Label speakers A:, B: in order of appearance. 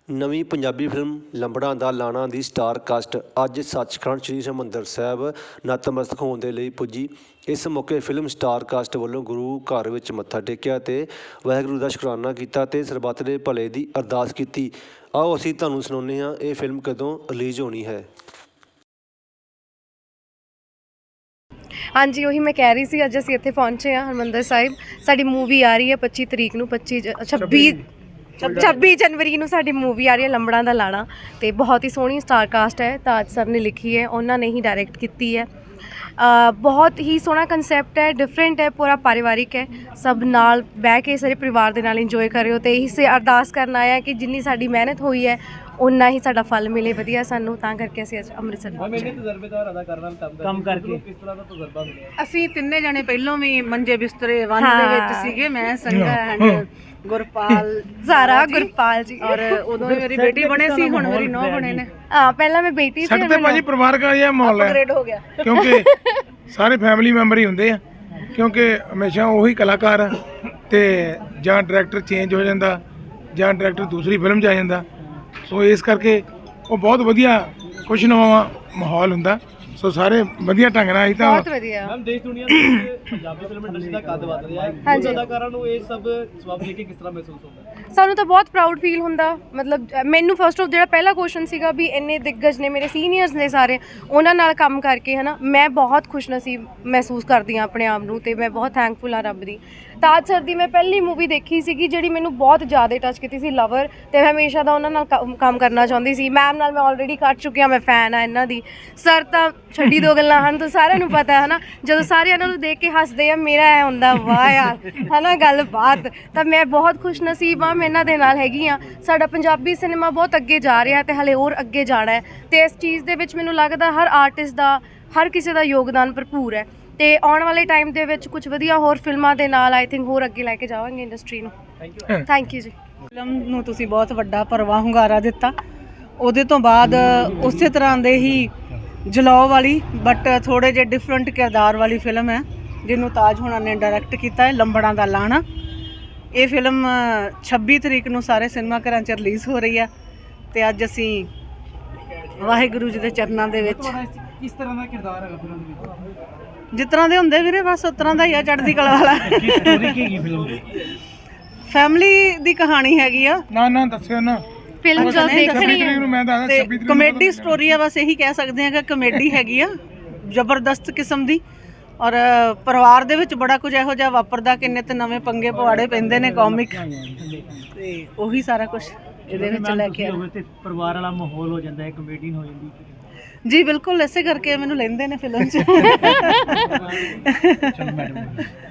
A: ਨਵੀਂ ਪੰਜਾਬੀ ਫਿਲਮ ਲੰਬੜਾਂ ਦਾ ਲਾਣਾ ਦੀ star cast ਅੱਜ ਸੱਚਖੰਡ ਸ੍ਰੀ ਹਰਿਮੰਦਰ ਸਾਹਿਬ ਨਤਮਸਤਕ ਹੋਣ ਦੇ ਲਈ ਪੁੱਜੀ। ਇਸ ਮੌਕੇ ਫਿਲਮ ਸਟਾਰ ਕਾਸਟ ਵੱਲੋਂ ਗੁਰੂ ਘਰ ਵਿੱਚ ਮੱਥਾ ਟੇਕਿਆ ਅਤੇ ਵਾਹਿਗੁਰੂ ਦਾ ਸ਼ੁਕਰਾਨਾ ਕੀਤਾ ਅਤੇ ਸਰਬੱਤ ਦੇ ਭਲੇ ਦੀ ਅਰਦਾਸ ਕੀਤੀ। ਆਓ ਅਸੀਂ ਤੁਹਾਨੂੰ ਸੁਣਾਉਂਦੇ ਹਾਂ ਇਹ ਫਿਲਮ ਕਦੋਂ ਰਿਲੀਜ਼ ਹੋਣੀ ਹੈ।
B: ਹਾਂਜੀ, ਉਹੀ ਮੈਂ ਕਹਿ ਰਹੀ ਸੀ, ਅੱਜ ਅਸੀਂ ਇੱਥੇ ਪਹੁੰਚੇ ਹਾਂ ਹਰਿਮੰਦਰ ਸਾਹਿਬ। ਸਾਡੀ ਮੂਵੀ ਆ ਰਹੀ ਹੈ 25 ਤਰੀਕ ਨੂੰ, 26 ਜਨਵਰੀ ਨੂੰ ਸਾਡੀ ਮੂਵੀ ਆ ਰਹੀ ਹੈ ਲੰਬੜਾਂ ਦਾ ਲਾਣਾ। ਅਤੇ ਬਹੁਤ ਹੀ ਸੋਹਣੀ ਸਟਾਰ ਕਾਸਟ ਹੈ, ਤਾਜ ਸਰ ਨੇ ਲਿਖੀ ਹੈ, ਉਹਨਾਂ ਨੇ ਹੀ ਡਾਇਰੈਕਟ ਕੀਤੀ ਹੈ। ਬਹੁਤ ਹੀ ਸੋਹਣਾ ਕੰਸੈਪਟ ਹੈ, ਡਿਫਰੈਂਟ ਹੈ, ਪੂਰਾ ਪਰਿਵਾਰਿਕ ਹੈ। ਸਭ ਨਾਲ ਬਹਿ ਕੇ ਸਾਰੇ ਪਰਿਵਾਰ ਦੇ ਨਾਲ ਇੰਜੋਏ ਕਰਿਓ ਅਤੇ ਇਹੀ ਸੇ ਅਰਦਾਸ ਕਰਨ ਆਇਆ ਕਿ ਜਿੰਨੀ ਸਾਡੀ ਮਿਹਨਤ ਹੋਈ ਹੈ ਉਨਾ ਹੀ ਸਾਡਾ ਫਲ ਮਿਲੇ ਵਧੀਆ ਸਾਨੂੰ। ਤਾਂ ਕਰਕੇ ਅਸੀਂ ਅੱਜ ਅੰਮ੍ਰਿਤਸਰ
C: ਤਜਰਬੇਦਾਰ ਅਦਾਕਾਰ ਨਾਲ ਕੰਮ ਕਰਕੇ ਕਿਸ ਤਰ੍ਹਾਂ ਦਾ ਤਜਰਬਾ ਮਿਲਿਆ? ਅਸੀਂ ਤਿੰਨੇ ਜਣੇ ਪਹਿਲਾਂ ਵੀ ਮੰਜੇ ਬਿਸਤਰੇ ਵਨ ਦੇ ਵਿੱਚ ਸੀਗੇ, ਮੈਂ ਸੰਗਾ ਐਂਡ ਗੁਰਪਾਲ
B: ਗੁਰਪਾਲ ਜੀ,
C: ਔਰ ਉਦੋਂ ਮੇਰੀ ਬੇਟੀ ਬਣੇ ਸੀ, ਹੁਣ ਮੇਰੀ ਨੂੰਹ ਬਣੇ ਨੇ।
B: ਹਾਂ, ਪਹਿਲਾਂ ਮੈਂ ਬੇਟੀ ਸੀ।
D: ਸਾਡੇ ਤੇ ਭਾਜੀ ਪਰਿਵਾਰਕ ਜਿਹਾ ਮਾਹੌਲ ਹੈ,
C: ਅਪਗ੍ਰੇਡ ਹੋ ਗਿਆ
D: ਕਿਉਂਕਿ ਸਾਰੇ ਫੈਮਿਲੀ ਮੈਂਬਰ ਹੀ ਹੁੰਦੇ ਆ, ਕਿਉਂਕਿ ਹਮੇਸ਼ਾ ਉਹੀ ਕਲਾਕਾਰ ਆ ਤੇ ਜਾਂ ਡਾਇਰੈਕਟਰ ਚੇਂਜ ਹੋ ਜਾਂਦਾ ਜਾਂ ਡਾਇਰੈਕਟਰ ਦੂਸਰੀ ਫਿਲਮ 'ਚ ਆ ਜਾਂਦਾ। ਸੋ ਇਸ ਕਰਕੇ ਉਹ ਬਹੁਤ ਵਧੀਆ ਖੁਸ਼ਨੁਮਾ ਮਾਹੌਲ ਹੁੰਦਾ। ਸੋ ਸਾਰੇ ਵਧੀਆ ਢੰਗ ਨਾਲ ਹੀ ਤਾਂ
B: ਬਹੁਤ ਵਧੀਆ।
C: ਮੈਮ ਦੇਸ਼ ਦੁਨੀਆ ਦੇ ਵਿੱਚ ਪੰਜਾਬੀ ਫਿਲਮ ਇੰਡਸਟਰੀ ਦਾ ਕੱਦ ਵੱਧ ਰਿਹਾ ਹੈ,
B: ਹਾਂਜੀ।
C: ਅਦਾਕਾਰਾਂ ਨੂੰ ਇਹ ਸਭ ਸਵਾਬ ਦੇ ਕੇ ਕਿਸ ਤਰ੍ਹਾਂ ਮਹਿਸੂਸ ਹੁੰਦਾ ਹੈ?
B: ਸਾਨੂੰ ਤਾਂ ਬਹੁਤ ਪ੍ਰਾਊਡ ਫੀਲ ਹੁੰਦਾ। ਮਤਲਬ ਮੈਨੂੰ ਫਸਟ ਆਫ ਜਿਹੜਾ ਪਹਿਲਾ ਕੁਐਸਚਨ ਸੀਗਾ ਵੀ ਇੰਨੇ ਦਿੱਗਜ ਨੇ, ਮੇਰੇ ਸੀਨੀਅਰਸ ਨੇ ਸਾਰੇ, ਉਹਨਾਂ ਨਾਲ ਕੰਮ ਕਰਕੇ ਹੈ ਨਾ, ਮੈਂ ਬਹੁਤ ਖੁਸ਼ਨਸੀਬ ਮਹਿਸੂਸ ਕਰਦੀ ਹਾਂ ਆਪਣੇ ਆਪ ਨੂੰ ਅਤੇ ਮੈਂ ਬਹੁਤ ਥੈਂਕਫੁਲ ਹਾਂ ਰੱਬ ਦੀ। ਤਾਜ ਸਰ ਦੀ ਮੈਂ ਪਹਿਲੀ ਮੂਵੀ ਦੇਖੀ ਸੀਗੀ ਜਿਹੜੀ ਮੈਨੂੰ ਬਹੁਤ ਜ਼ਿਆਦਾ ਟੱਚ ਕੀਤੀ ਸੀ, ਲਵਰ, ਅਤੇ ਮੈਂ ਹਮੇਸ਼ਾ ਦਾ ਉਹਨਾਂ ਨਾਲ ਕੰਮ ਕਰਨਾ ਚਾਹੁੰਦੀ ਸੀ। ਮੈਮ ਨਾਲ ਮੈਂ ਆਲਰੇਡੀ ਕਰ ਚੁੱਕੀ ਹਾਂ, ਮੈਂ ਫੈਨ ਹਾਂ ਇਹਨਾਂ ਦੀ। ਸਰ ਤਾਂ ਛੱਡੀ ਦੋ ਗੱਲਾਂ ਹਨ, ਤਾਂ ਸਾਰਿਆਂ ਨੂੰ ਪਤਾ ਹੈ ਨਾ, ਜਦੋਂ ਸਾਰੇ ਇਹਨਾਂ ਨੂੰ ਦੇਖ ਕੇ ਹੱਸਦੇ ਆ ਮੇਰਾ ਇਹ ਹੁੰਦਾ ਵਾਹ ਯਾਰ ਹੈ ਨਾ ਗੱਲਬਾਤ। ਤਾਂ ਮੈਂ ਬਹੁਤ ਖੁਸ਼ਨਸੀਬ ਹਾਂ, ਮੈਂ ਇਹਨਾਂ ਦੇ ਨਾਲ ਹੈਗੀ ਹਾਂ। ਸਾਡਾ ਪੰਜਾਬੀ ਸਿਨੇਮਾ ਬਹੁਤ ਅੱਗੇ ਜਾ ਰਿਹਾ ਅਤੇ ਹਾਲੇ ਹੋਰ ਅੱਗੇ ਜਾਣਾ ਹੈ, ਅਤੇ ਇਸ ਚੀਜ਼ ਦੇ ਵਿੱਚ ਮੈਨੂੰ ਲੱਗਦਾ ਹਰ ਆਰਟਿਸਟ ਦਾ, ਹਰ ਕਿਸੇ ਦਾ ਯੋਗਦਾਨ ਭਰਪੂਰ ਹੈ। ਅਤੇ ਆਉਣ ਵਾਲੇ ਟਾਈਮ ਦੇ ਵਿੱਚ ਕੁਝ ਵਧੀਆ ਹੋਰ ਫਿਲਮਾਂ ਦੇ ਨਾਲ ਆਈ ਥਿੰਕ ਹੋਰ ਅੱਗੇ ਲੈ ਕੇ ਜਾਵਾਂਗੇ ਇੰਡਸਟਰੀ ਨੂੰ। ਥੈਂਕ ਯੂ ਜੀ।
C: ਫਿਲਮ ਨੂੰ ਤੁਸੀਂ ਬਹੁਤ ਵੱਡਾ ਭਰਵਾਂ ਹੁੰਗਾਰਾ ਦਿੱਤਾ। ਉਹਦੇ ਤੋਂ ਬਾਅਦ ਉਸੇ ਤਰ੍ਹਾਂ ਦੇ ਹੀ ਜਲਾਓ ਵਾਲੀ ਬਟ ਥੋੜ੍ਹੇ ਜਿਹੇ ਡਿਫਰੈਂਟ ਕਿਰਦਾਰ ਵਾਲੀ ਫਿਲਮ ਹੈ ਜਿਹਨੂੰ ਤਾਜ ਹੁਣਾਂ ਨੇ ਡਾਇਰੈਕਟ ਕੀਤਾ ਹੈ, ਲੰਬੜਾਂ ਦਾ ਲਾਣਾ। ਇਹ ਫਿਲਮ 26 ਤਰੀਕ ਨੂੰ ਸਾਰੇ ਸਿਨੇਮਾ ਘਰਾਂ 'ਚ ਰਿਲੀਜ਼ ਹੋ ਰਹੀ ਹੈ ਅਤੇ ਅੱਜ ਅਸੀਂ ਵਾਹਿਗੁਰੂ ਜੀ ਦੇ ਚਰਨਾਂ ਦੇ ਵਿੱਚ। ਕਿਸ ਤਰ੍ਹਾਂ ਦਾ ਕਿਰਦਾਰ ਹੈਗਾ ਫਿਲਮ ਦੇ ਵਿੱਚ? ਜਿਸ ਤਰ੍ਹਾਂ ਦੇ ਹੁੰਦੇ ਵੀਰੇ, ਬਸ ਉਸ ਤਰ੍ਹਾਂ ਦਾ ਹੀ ਆ, ਚੜ੍ਹਦੀ ਕਲਾ ਵਾਲਾ। ਫੈਮਿਲੀ ਦੀ ਕਹਾਣੀ ਹੈਗੀ ਆ।
D: ਨਾ ਦੱਸਿਓ ਨਾ
B: ਫਿਲਮ ਜਦ ਦੇਖਣੀ ਹੈ
D: ਨੂੰ ਮੈਂ ਦੱਸਦਾ 26 ਤਰੀਕ
C: ਕਮੇਡੀ ਸਟੋਰੀ ਆ, ਬਸ ਇਹੀ ਕਹਿ ਸਕਦੇ ਹਾਂ ਕਿ ਕਮੇਡੀ ਹੈਗੀ ਆ ਜ਼ਬਰਦਸਤ ਕਿਸਮ ਦੀ। ਔਰ ਪਰਿਵਾਰ ਦੇ ਵਿੱਚ ਬੜਾ ਕੁਝ ਇਹੋ ਜਿਹਾ ਵਾਪਰਦਾ ਕਿ ਨਿੱਤ ਨਵੇਂ ਪੰਗੇ ਪਵਾੜੇ ਪੈਂਦੇ ਨੇ, ਕਾਮਿਕ, ਤੇ ਉਹੀ ਸਾਰਾ ਕੁਝ ਇਹਦੇ ਵਿੱਚ ਲੈ ਕੇ ਆਇਆ।
E: ਪਰਿਵਾਰ ਵਾਲਾ ਮਾਹੌਲ ਹੋ ਜਾਂਦਾ ਹੈ, ਕਮੇਡੀਅਨ ਹੋ ਜਾਂਦੀ
C: ਜੀ ਬਿਲਕੁਲ, ਇਸੇ ਕਰਕੇ ਮੈਨੂੰ ਲੈਂਦੇ ਨੇ ਫਿਲਮ 'ਚ।